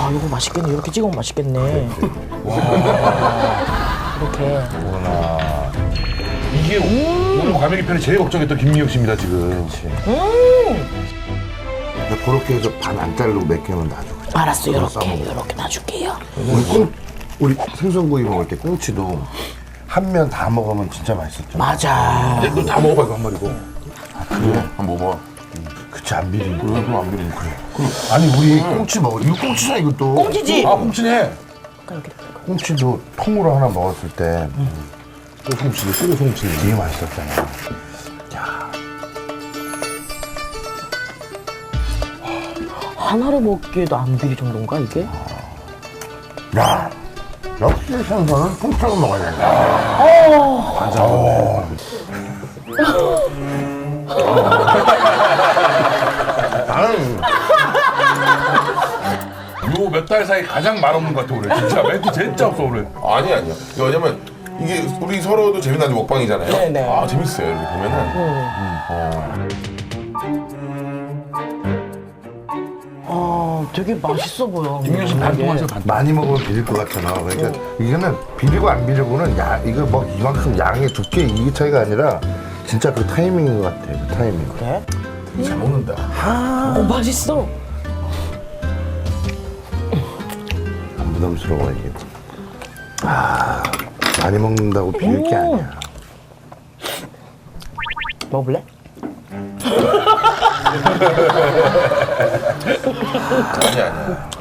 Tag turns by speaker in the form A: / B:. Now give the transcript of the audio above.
A: 와, 이거 맛있겠네. 이렇게 찍으면 맛있겠네. 와. 이렇게.
B: 어머나. 이게 오늘 과메기 편이 제일 걱정했던 김미혁 씨입니다, 지금.
C: 그렇게 해서 반 안 자르고 몇 개만 놔줘.
A: 알았어, 이렇게.
C: 싸먹어.
A: 이렇게 놔줄게요.
C: 우리 생선구이 먹을 때 꽁치도 한 면 다 먹으면 진짜 맛있었죠.
A: 맞아.
B: 너 다 먹어봐, 이거 한 마리고.
C: 그래?
B: 한번 먹어봐.
C: 그치 안 비리고.
B: 그럼 안 비리면 그래.
C: 아니 우리 꽁치 먹어. 이거 꽁치잖아 이것도.
A: 꽁치지?
B: 아, 꽁치네.
C: 꽁치도 통으로 하나 먹었을 때
B: 꼬송치네, 꼬송치.
C: 되게 맛있었잖아.
A: 하나를 먹기에도 안 비릴 정도인가, 이게?
C: 야, 역시 생선은 통째로 먹어야 된다. 나는
B: 요 몇 달 사이 가장 말없는 것 같아, 올해. 진짜 멘트 진짜 없어, 올해.
D: 아니야. 왜냐면 이게 우리 서로도 재미나는 먹방이잖아요.
A: 네네.
D: 아, 재밌어요. 이렇게 보면은.
A: 되게 맛있어 보여.
B: 김미혁 씨 반통하세요, 반통.
C: 많이 먹으면 비릴 것 같잖아. 그러니까 이거는 비리고 안 비리고는 이거 뭐 이만큼 양의 두께 이 차이가 아니라 진짜 그 타이밍인 것 같아. 그 타이밍.
A: 그래?
B: 잘 먹는다.
A: 맛있어.
C: 안 부담스러워 이게. 많이 먹는다고 비릴 게 아니야.
A: 먹을래?
D: 아니야.